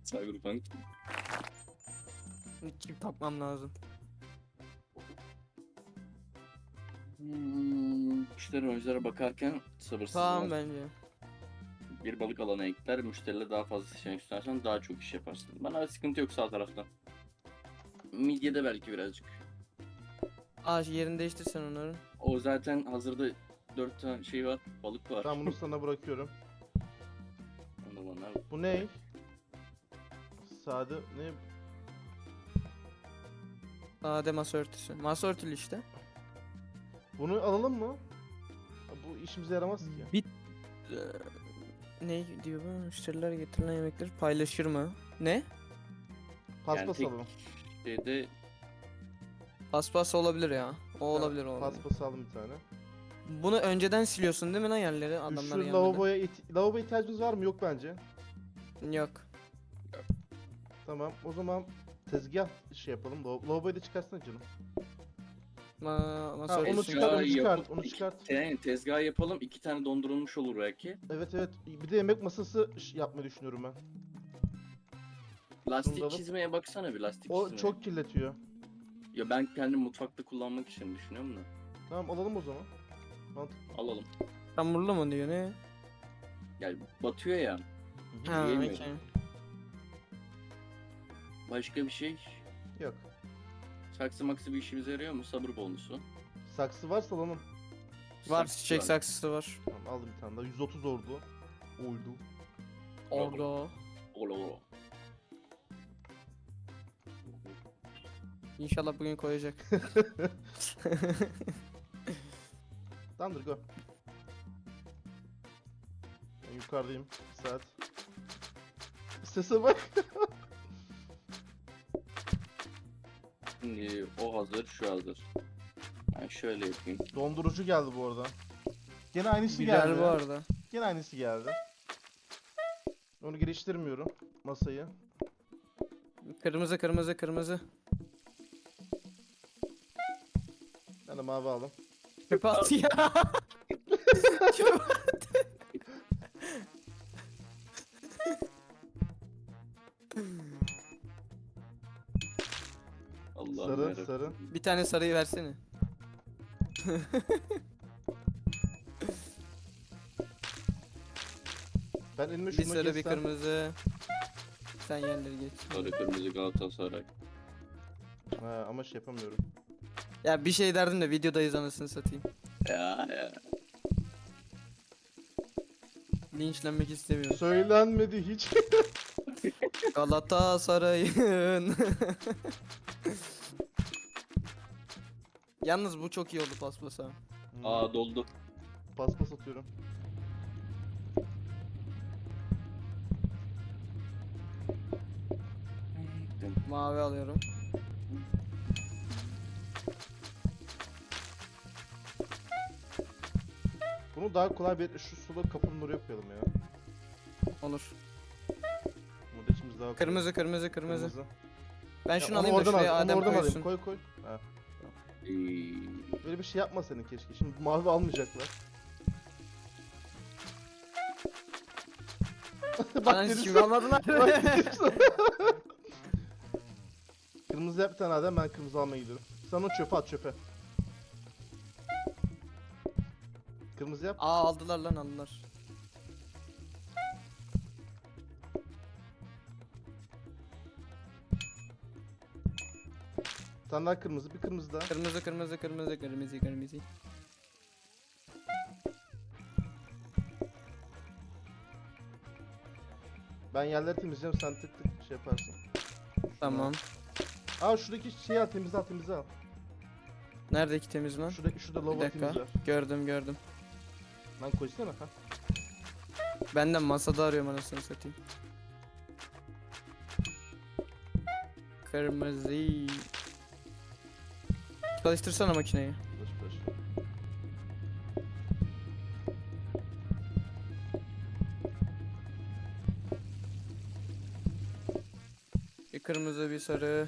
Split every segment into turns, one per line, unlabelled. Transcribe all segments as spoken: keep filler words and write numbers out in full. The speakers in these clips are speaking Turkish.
Cyberpunk.
Çip takmam lazım.
Hmm, müşteri oyunculara bakarken sabırsız
Tamam
var.
bence.
Bir balık alanı ekler, müşteriyle daha fazla seçenek sunarsan daha çok iş yaparsın. Bana sıkıntı yok sağ tarafta. Midyede belki birazcık.
Aa yerini değiştirsen onların.
O zaten hazırda dört tane şey var, balık var.
Ben bunu sana bırakıyorum.
Onu bana
Bu ne? Sade ne?
Sade masa örtüsü. Masa örtülü işte.
Bunu alalım mı? Bu işimize yaramaz ki.
Bir Ee, ne diyor bu? Müşteriler getirilen yemekleri paylaşır mı? Ne?
Paspas
tek-
alalım.
şeyde
Paspas olabilir ya. O olabilir o. olabilir.
Paspas aldım bir tane.
Bunu önceden siliyorsun değil mi lan yerleri? Adamlar
Şu
gelmeden.
lavaboya it- lavabo ihtiyacımız var mı? Yok bence.
Yok.
Tamam. O zaman tezgah şey yapalım. Lav- Lavaboyu da çıkarsana canım.
Ma masa
Ha, onu
örtüsü.
çıkar, onu
Tezgahı
çıkart,
yapıp
onu
iki-
çıkart.
Yani tezgah yapalım, iki tane dondurulmuş olur belki.
Evet evet. Bir de yemek masası ş- yapmayı düşünüyorum ben.
Lastik
Bunları-
çizmeye baksana bir lastik
O
çizmeye.
çok kirletiyor.
Ya ben kendim mutfakta kullanmak için düşünüyorum da.
Tamam alalım o zaman. Mantıklı.
Alalım.
Hamurlu mu diyor ne?
Yani batıyor ya.
Ha,
Yiyemiyorum.
okey.
Başka bir şey.
Yok.
Saksı maksı bir işimize yarıyor mu? Sabır bonusu.
Saksı varsa alalım.
Var
Saksı
çiçek
var.
saksısı var.
Tamam aldım bir tane daha. yüz otuz ordu. Oldu.
Orada.
Ola ola.
İnşallah bugün koyacak.
Tamamdır go. Ben yukarıdayım. Bir saat. Sese bak.
Şimdi o hazır, şu hazır. Ben şöyle yapayım.
Dondurucu geldi bu arada. Gene aynısı
Güzel
geldi.
bu arada.
Gene aynısı geldi. Onu geliştirmiyorum. Masayı.
Kırmızı kırmızı kırmızı.
Ben de mavi aldım.
Çöpe at ya. Çöpe at.
Allah
Sarı, sarı.
Bir tane sarıyı versene.
Ben elime
Bir
şunu
sarı bir
geçsem.
kırmızı. Sen yerleri geç.
Sarı kırmızı Galatasaray.
Ha, ama şey yapamıyorum.
Ya bir şey derdim de videodayız anasını satayım.
Ya ya.
Linçlenmek istemiyorum.
Söylenmedi hiç.
Galatasaray'ın. Yalnız bu çok iyi oldu paspasa.
Aa doldu.
Paspas atıyorum.
Mavi alıyorum.
Bunu daha kolay bir şu sulu kapının oraya koyalım ya.
Olur.
Burada içimiz daha kolay.
Kırmızı kırmızı kırmızı. Ben
Ya
şunu
onu
alayım da
oradan
şuraya
al, onu
Adem
oradan alayım.
koysun.
Koy koy. Ha.
Ee,
Böyle bir şey yapma senin keşke. Şimdi mavi almayacaklar.
Bak
birisi-
şimdi almadılar.
Bak birisi- Kırmızı yap bir tane Adem, ben kırmızı almaya gidiyorum. Sen onu çöpe at çöpe. Kırmızı yap.
Aa aldılar lan aldılar.
Bir tane daha kırmızı, bir kırmızı daha.
Kırmızı kırmızı kırmızı kırmızı kırmızı.
Ben yerleri temizleyeceğim, sen tık tık şey yaparsın.
Tamam.
Aa şuradaki şeyi al, temizle al, temizle al.
Neredeki temiz lan?
Şuradaki şurada
Bir
lavabo
dakika.
temizle.
Gördüm gördüm.
Lan koysana ha.
Ben de masada arıyorum anasını satayım. Kırmızı. Çalıştırsana makineyi.
Boş boş.
Bir kırmızı bir sarı.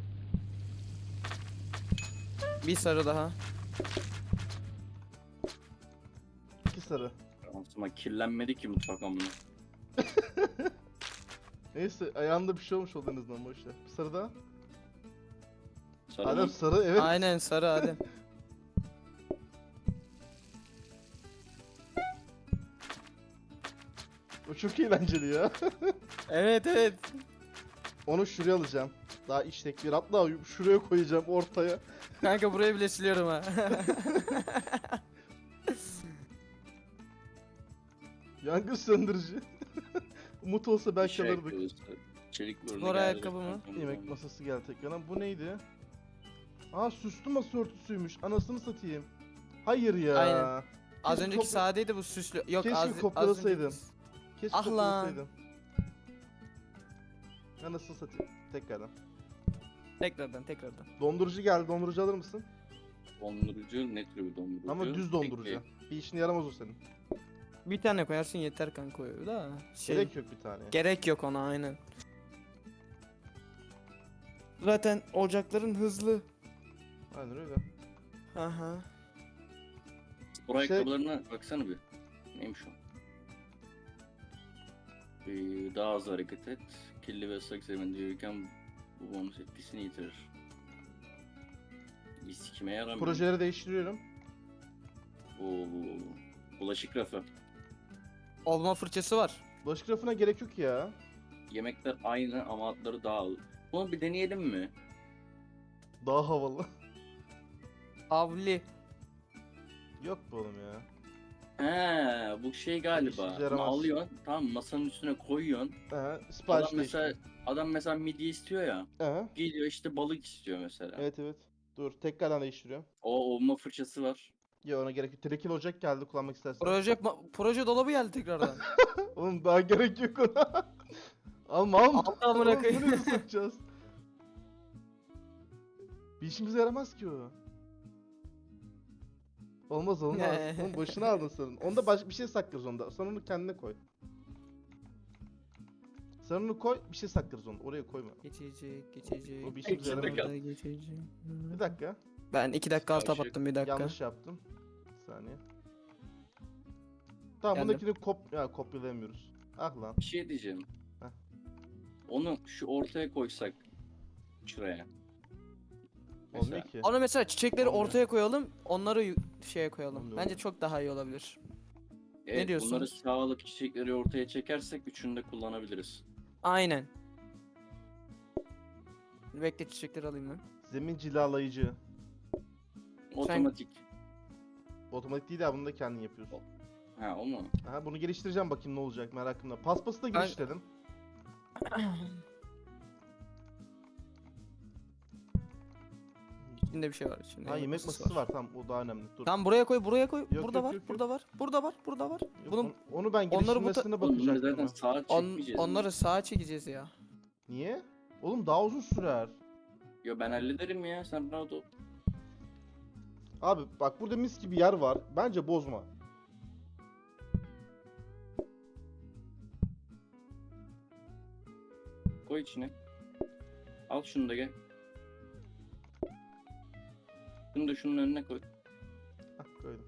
Bir sarı daha.
sarı.
Ama kirlenmedi ki mutfak amına.
Neyse ayağında bir şey olmuş oldu en azından boşver. Bir sarı daha.
Sarı
Adem
mı?
sarı evet.
Aynen sarı Adem.
O çok eğlenceli ya.
Evet evet.
Onu şuraya alacağım. Daha işlek bir hatta şuraya koyacağım ortaya.
Kanka burayı bile siliyorum ha.
Yangın söndürücü. Umut olsa belki
Şey
alırdık.
yapıyoruz. Çelik böyle
Spor
geldi.
ayakkabı mı?
Yemek masası geldi tekrardan. Bu neydi? Aa süslü masa örtüsüymüş. Anasını satayım. Hayır ya.
Aynen. Az
Keşke
önceki
kopya-
sadeydi bu süslü. Yok
Keşke
az, az
kopyalasaydım.
önceki-
Keşke
Ah lan.
kopyalasaydım. Anasını satayım. Tekrardan.
Tekrardan tekrardan.
Dondurucu geldi. Dondurucu alır mısın?
Dondurucu ne tür bir dondurucu?
Ama düz dondurucu. Bir işine yaramaz o senin.
Bir tane koyarsın yeter kanka o da. Şey,
Gerek yok bir tane.
gerek yok ona aynen. Zaten ocakların hızlı.
Aynen öyle.
Aha.
Spor
Şey-
ayakkabılarına baksana bir. Neymiş o? Ee, daha az hareket et. Kirli ve ıslak zeminde yürürken bu bonus etkisini yitirir. Biz kime yaramıyor?
Projeleri değiştiriyorum.
Oo, bulaşık rafı.
Olma fırçası var.
Bulaşık rafına gerek yok ya.
Yemekler aynı ama adları daha ağır. Bunu bir deneyelim mi?
Daha havalı.
Havli.
Yok bu oğlum ya.
He, bu şey galiba.
İşe
Bunu
yaramaz.
alıyorsun, tamam masanın üstüne koyuyorsun.
He,
Adam
sipariş
mesela
değiştir.
adam mesela midye istiyor ya.
He,
Geliyor işte balık istiyor mesela.
evet evet. Dur tekrardan değiştiriyorum.
O olma fırçası var.
Ya ona gerek yok. Trekil ocak geldi kullanmak istersen.
Proje ma- proje dolabı geldi tekrardan.
Oğlum daha gerek yok ona. Alma alma.
Alma amına
Oğlum,
koyayım.
nereye sokacağız? Bir işimize yaramaz ki o. Olmaz olmaz.
Ne?
Oğlum boşuna aldın sen. Onda başka bir şey saklarız onda. Sen onu kendine koy. Sen onu koy, bir şey saklarız onu. Oraya koyma.
Geçecek, geçecek.
O bir işimize
İçinde
yaramaz.
kal.
Geçecek.
Bir dakika.
Ben iki dakika alt
Yavşak.
attım bir dakika.
Yanlış yaptım. Bir saniye. Tamam
Geldim.
bundakini kop ya kopyalayamıyoruz. Ah lan.
Bir şey diyeceğim.
Heh.
Onu şu ortaya koysak şuraya.
Olmuyor ki.
Onu mesela çiçekleri
Olmuyor.
ortaya koyalım, onları yu- şeye koyalım.
Olmuyor,
Bence
olmuyor.
çok daha iyi olabilir.
Evet,
diyorsun?
bunları sağlık çiçekleri ortaya çekersek üçünü de kullanabiliriz.
Aynen. Bekle çiçekleri alayım ben.
Zemin cilalayıcı.
Otomatik.
Otomatik değil ya bunu da kendin yapıyorsun.
Ha o mu?
Aha bunu geliştireceğim bakayım ne olacak merakımda. Paspası da
Ben-
geliştirdim.
İçinde bir şey var içinde.
Ha yemek masası var. tamam o daha önemli. Dur.
Tamam buraya koy, buraya koy.
Yok,
burada
yok,
var,
yok, yok.
burada var, burada var, burada var.
Yok,
Bunun
on- onu ben
onları bu ta-
geliştirmesine
Oğlum bunu
bakacaktım.
zaten
ama.
sağa
on,
çekmeyeceğiz.
onları sağa çekeceğiz ya.
Niye? Oğlum daha uzun sürer.
Yo ben hallederim ya sen rahat ol.
Abi bak burada mis gibi yer var. Bence bozma.
Koy içine. Al şunu da gel. Şunu da şunun önüne koy.
Hah koydum.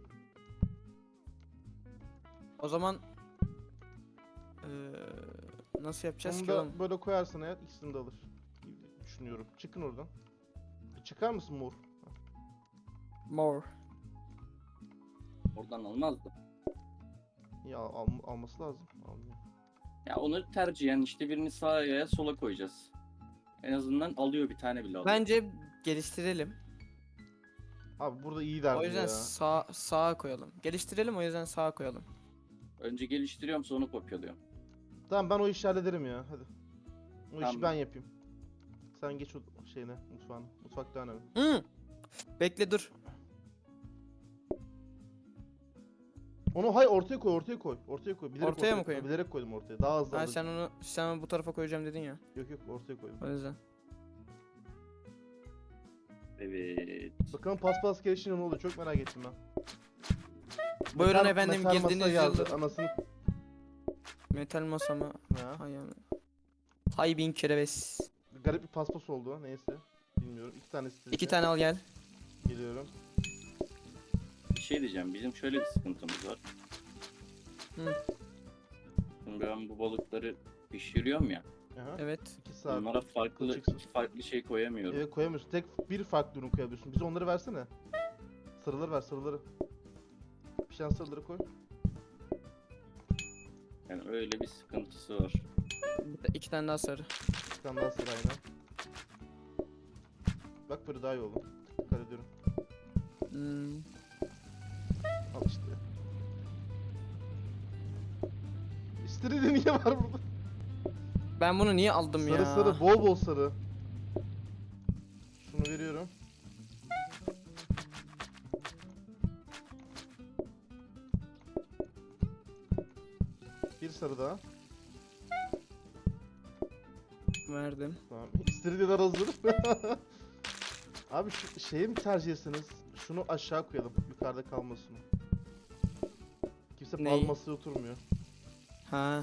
O zaman eee, nasıl yapacağız
Onu
ki
da
oğlum?
böyle koyarsan eğer ikisini de alır. gibi Düşünüyorum. Çıkın oradan. Bir çıkar mısın mor?
More.
Oradan almazdı.
Ya al, alması lazım. Almıyor.
Ya onları tercihen işte birini sağa ya sola koyacağız. En azından alıyor bir tane bile alıyor.
Bence geliştirelim.
Abi burada iyi derdi
O yüzden
ya.
sağ sağa koyalım. Geliştirelim o yüzden sağa koyalım.
Önce geliştiriyorum sonra kopyalıyorum.
Tamam ben o işi hallederim ya. Hadi. O işi
Tamam.
ben yapayım. Sen geç o şeyine mutfağına. Mutfakta önemli.
Hı. Bekle dur.
Onu hay ortaya koy ortaya koy. Ortaya koy. Bilerek
Ortaya mı koyayım?
Bilerek koydum ortaya. Daha hızlı
Ha,
alır.
sen onu sen bu tarafa koyacağım dedin ya.
Yok yok ortaya koydum.
O yüzden.
Evet.
Bakalım paspas gelişince ne oluyor çok merak ettim ben.
Buyurun
Metal-
efendim
metal masa
girdiğiniz
geldi.
yıldır.
Anasını.
Metal masama.
Ya.
Hay ana. Hay bin kereves.
Garip bir paspas oldu. Neyse. Bilmiyorum. İki tane isteyeceğim.
İki tane al gel.
Geliyorum.
Bir şey diyeceğim. Bizim şöyle bir sıkıntımız var.
Hı.
Şimdi ben bu balıkları pişiriyorum ya.
Aha.
Evet.
iki saat.
Onlara farklı
Kılçıksız.
iki farklı şey koyamıyorum.
Evet koyamıyorsun. Tek bir farklı ürün koyabiliyorsun. Bize onları versene. Sarıları ver sarıları. Pişen sarıları koy.
Yani öyle bir sıkıntısı var.
Bir de iki tane daha sarı.
Bir tane daha sarı aynen. Bak böyle daha iyi oldu. Dikkat ediyorum.
Hmm.
Al işte. İstiridye niye var burada?
Ben bunu niye aldım
Sarı
ya?
sarı bol bol sarı. Şunu veriyorum. Bir sarı daha.
Verdim.
Tamam. İstiridyeler hazır. Abi şu şeyi mi tercih etseniz? Şunu aşağı koyalım. Yukarıda kalmasın. Kimse
Neyi?
pahalı masaya oturmuyor.
Ha.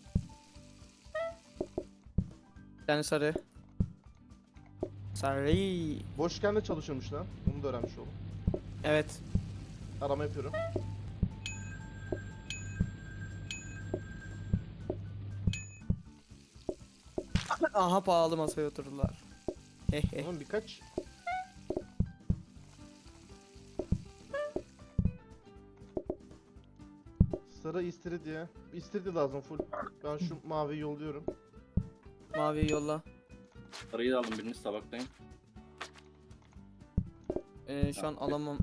Bir tane sarı. Sarı.
Boşken de çalışıyormuş lan. Onu da öğrenmiş oldum.
Evet.
Arama yapıyorum.
Aha pahalı masaya oturdular. Hehe.
Tamam birkaç. Sarı istiridye. İstiridye lazım full. Ben şu maviyi yolluyorum.
Maviyi yolla.
Sarıyı da alın, biriniz tabaktayım.
Ee, şu an alamam.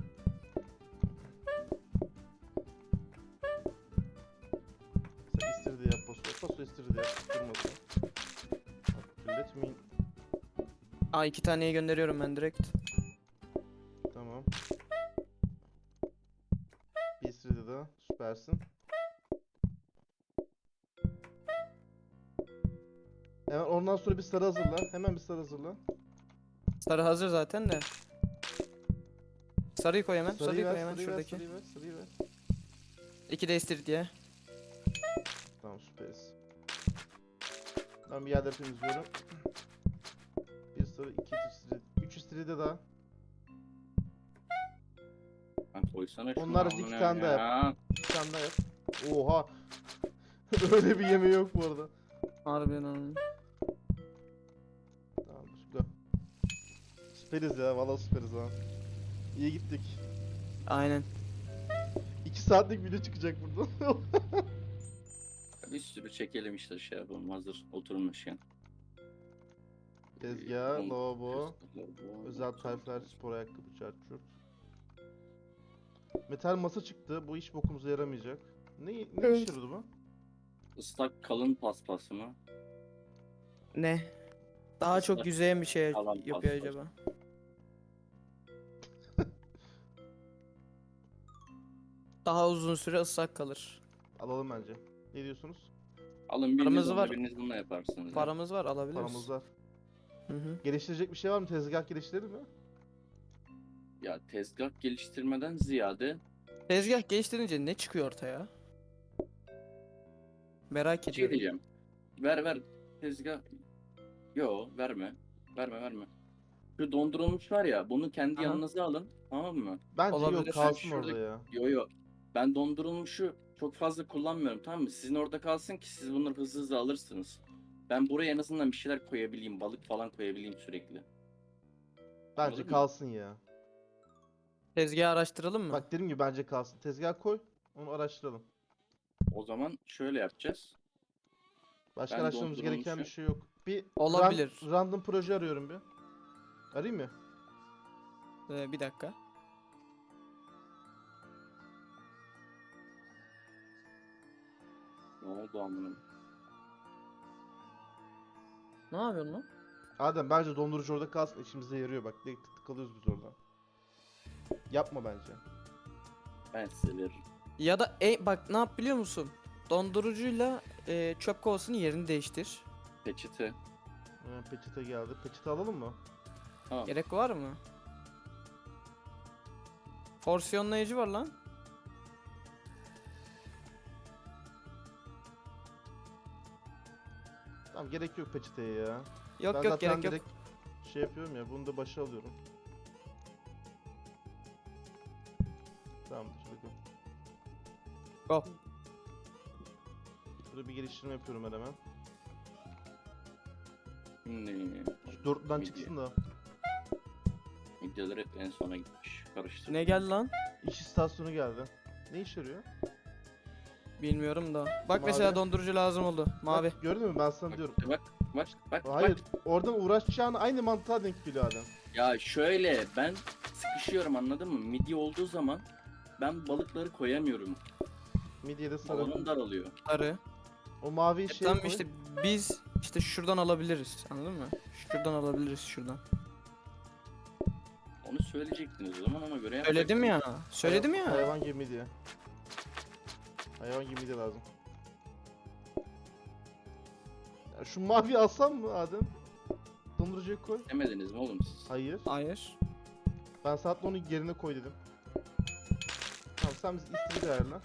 Sen istiridye yap paso. Paso istiridye yap. Durmasın. Kirletmeyin.
Aa iki taneyi gönderiyorum ben direkt.
Tamam. Bir istiridye daha. Süpersin. Hemen ondan sonra bir sarı hazırla. Hemen bir sarı hazırla.
Sarı hazır zaten de. Sarıyı koy hemen. Sarıyı,
Sarıyı ver,
koy hemen
sarıyı ver,
şuradaki.
sarıyı ver, sarıyı ver.
İki de istiridye.
Tamam süperiz. Ben bir yerleri temizliyorum. Bir sarı, iki istiridye, üç istiridye daha.
Ben koysana şunu.
Onlar
amına
iki tane daha
ya.
Bir tane daha yap. Oha. Öyle bir yemeği yok bu arada.
Harbiden oğlum.
Tamamdır. Go. Süperiz ya. Valla süperiz ha. İyi gittik.
Aynen.
iki saatlik video çıkacak buradan.
Bir sürü çekelim işte, şey yapalım, hazır oturmuşken.
Tezgah,
Ee,
lavabo,
lavabo,
özel tayflar, spor ayakkabı, çart çurt. Metal masa çıktı. Bu hiç bokumuza yaramayacak. Ne, ne
Evet.
işe yaradı bu?
Islak kalın paspası mı?
Ne? Daha çok
Islak
yüzeyen bir şey
kalan
yapıyor
pasta.
acaba. Daha uzun süre ıslak kalır.
Alalım bence. Ne diyorsunuz?
Alın, biriniz
Paramız
onunla,
var.
biriniz bununla yaparsınız. ya.
Paramız var alabiliriz.
Paramız var.
Hı hı.
Geliştirecek bir şey var mı? Tezgah geliştirir mi?
Ya tezgah geliştirmeden ziyade
Tezgah geliştirince ne çıkıyor ortaya? Merak
şey
ediyorum.
diyeceğim. Ver ver tezgah. Yo, verme. Verme verme. Şu dondurulmuş var ya, bunu kendi
Aha.
yanınıza alın, tamam mı?
Bence
Olabilir.
yok
Ben
kalsın
şurada-
orada ya.
Yo yo. Ben dondurulmuşu çok fazla kullanmıyorum, tamam mı? Sizin orada kalsın ki siz bunları hızlı hızlı alırsınız. Ben buraya en azından bir şeyler koyabileyim, balık falan koyabileyim sürekli.
Bence
Anladın mı?
kalsın ya.
Tezgahı araştıralım mı?
Bak dediğim gibi bence kalsın. Tezgah koy. Onu araştıralım.
O zaman şöyle yapacağız.
Başka
Ben
araştırmamız gereken bir
dondurulmuşu-
şey yok. Bir
Olabilir.
ran- random proje arıyorum bir. Arayayım mı?
Ee, bir dakika.
Ne oldu amına?
Ne yapıyorsun lan?
Adem bence dondurucu orada kalsın. İşimize yarıyor bak. Direkt tık tık alıyoruz biz oradan. Yapma bence.
Ben size veririm.
Ya da e, bak ne yap biliyor musun? Dondurucuyla e, çöp kovasının yerini değiştir.
Peçete.
Ha, peçete geldi. Peçete alalım mı?
Tamam.
Gerek var mı? Porsiyonlayıcı var lan.
Tamam gerek yok peçeteye ya.
Yok
ben
yok
zaten
gerek yok.
direkt şey yapıyorum ya. Bunu da başa alıyorum. Tamamdır. Hadi go.
Go.
Burada bir geliştirme yapıyorum ben hemen.
Şimdi
Şu dörtlüden
Midye.
çıksın da.
midyeler hep en sona gitmiş. Karıştır.
Ne geldi lan?
İş istasyonu geldi. Ne işe yarıyor?
Bilmiyorum da. Bak
Mavi.
mesela dondurucu lazım oldu. Mavi.
Bak, gördün mü ben sana
Bak,
diyorum.
bak bak bak.
Hayır
bak.
oradan uğraşacağın aynı mantığa denk geliyor adam.
Ya şöyle ben sıkışıyorum anladın mı? Midye olduğu zaman ben balıkları koyamıyorum.
Midyede sarı.
Alanım daralıyor.
Sarı.
O mavi
E,
şey
tamam
koy.
işte biz işte şuradan alabiliriz. Anladın mı? Şuradan alabiliriz şuradan.
Onu söyleyecektiniz o zaman ona göre
Söyledim
yapacaktınız.
ya. Söyledim
Hay-
ya.
Hayvan gibi midye. Hayvan gibi midye lazım. Ya şu mavi alsam mı Adem? Dondurucuya koy.
Demediniz mi oğlum siz?
Hayır.
Hayır.
Ben saatle onu yerine koy dedim. Tamam sen bizi istiri ayarla.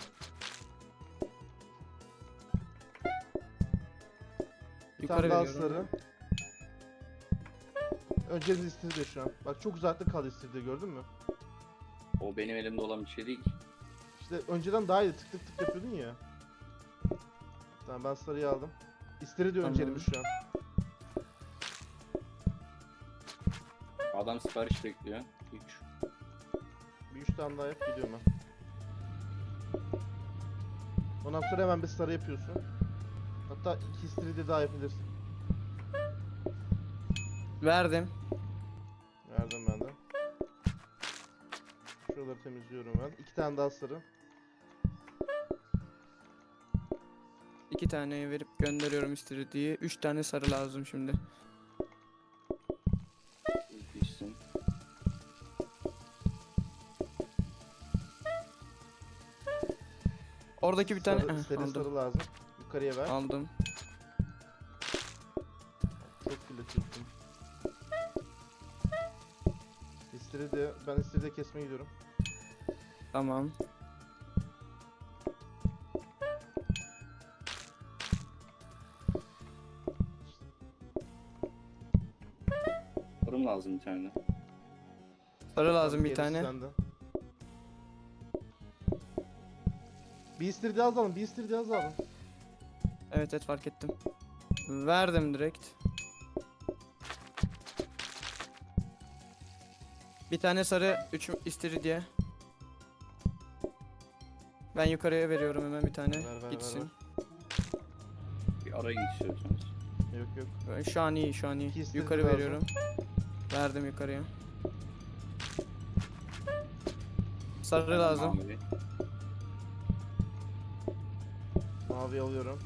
Bir
Yukarı
tane daha
veriyorum.
sarı. Öncemiz istirdi şu an. Bak çok uzakta kaldı istirdi gördün mü?
O benim elimde olan bir şey değil ki.
İşte önceden daha iyi tık tık tık yapıyordun ya. Tamam ben sarıyı aldım. İstiri diyor
Tamam.
öncelimiz şu an.
Adam sipariş bekliyor. üç.
Bir üç tane daha yap gidiyorum ben. Ondan sonra hemen bir sarı yapıyorsun. Hatta iki istiri de daha yapabilirsin.
Verdim.
Verdim ben de. Şuraları temizliyorum ben. İki tane daha sarı.
İki taneyi verip gönderiyorum istediği. Üç tane sarı lazım şimdi.
Gitsin.
Oradaki bir tane
Sarı,
Heh,
seri
aldım.
sarı lazım. Yukarıya ver.
Aldım.
Çok kirletiyorsun. İstiri de, ben istiri de kesmeye gidiyorum.
Tamam.
Fırın lazım bir tane.
Sarı lazım
Tamam,
bir
gerisi
tane.
sende. Bir istiri daha alalım, bir istiri daha alalım.
Evet evet fark ettim. Verdim direkt. Bir tane sarı, üç istiridye. Ben yukarıya veriyorum hemen bir tane.
Ver, ver, ver,
Gitsin.
ver.
Bir arayın istiyorsanız.
Yok yok.
Ben- Şu an iyi, şu an iyi.
İki istiridye
Yukarı
lazım.
veriyorum. Verdim yukarıya. Sarı lazım.
Mavi.
Mavi alıyorum.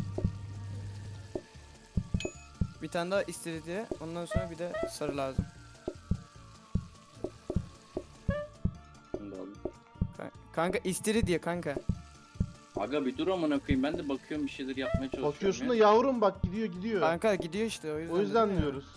Bir tane daha istiridye. Ondan sonra bir de sarı lazım.
Bunu da aldım.
Ka- Kanka istiridye kanka.
Aga bir dur amına koyayım ben de bakıyorum bir şeyler yapmaya çalışıyorum.
Bakıyorsun
ya.
da yavrum bak gidiyor gidiyor.
Kanka gidiyor işte o yüzden.
O yüzden
dedim ya.
diyoruz.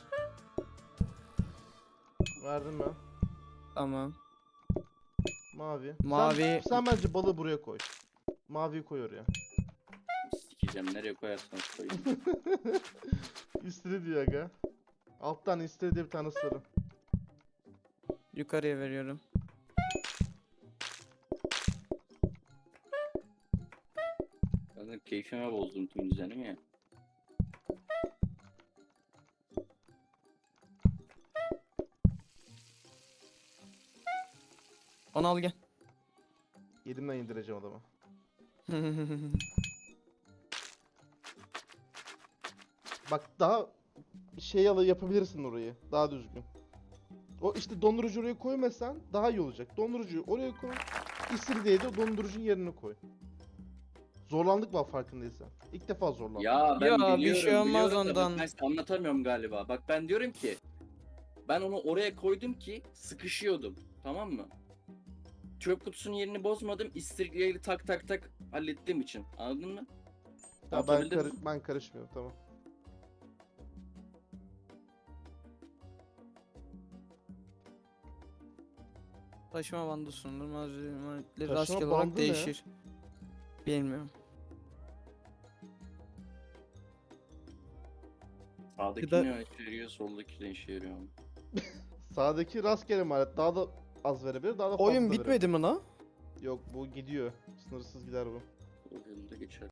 Verdim ben.
Tamam.
Mavi.
Mavi.
Sen, sen bence balığı buraya koy. Maviyi koy oraya.
Sikeceğim nereye koyarsanız koyun.
İstiri diyor aga. Alttan istiri de bir tane sarı.
Yukarıya veriyorum.
Ben de keyfime bozdum tüm düzenimi ya.
Onu al gel.
Elimden indireceğim adamı. Bak daha şey alı yapabilirsin orayı. Daha düzgün. O işte dondurucu oraya koymasan daha iyi olacak. Dondurucuyu oraya koy. İstiridyeyi de dondurucunun yerine koy. Zorlandık var farkındaysan. İlk defa zorlandık.
Ya ben
Ya, bir
biliyorum,
şey olmaz
biliyorum da bak
ondan.
ben size anlatamıyorum galiba. Bak ben diyorum ki ben onu oraya koydum ki sıkışıyordum. Tamam mı? Çöp kutusunun yerini bozmadım. İstiridyeyle tak tak tak hallettiğim için. Anladın mı?
Ya ben,
Anlatabildim
karı-
mi?
ben karışmıyorum tamam.
Taşıma bandı sunulur. Malzemeleri
Taşıma
rastgele
bandı
olarak
ne?
değişir. Bilmiyorum.
Sağdaki
da-
ne işe yarıyor, soldaki ne işe yarıyor.
Sağdaki rastgele maharet daha da az verebilir, daha da fazla
Oyun
verebilir.
bitmedi mi la?
Yok bu gidiyor. Sınırsız gider bu.
O yılda geçer.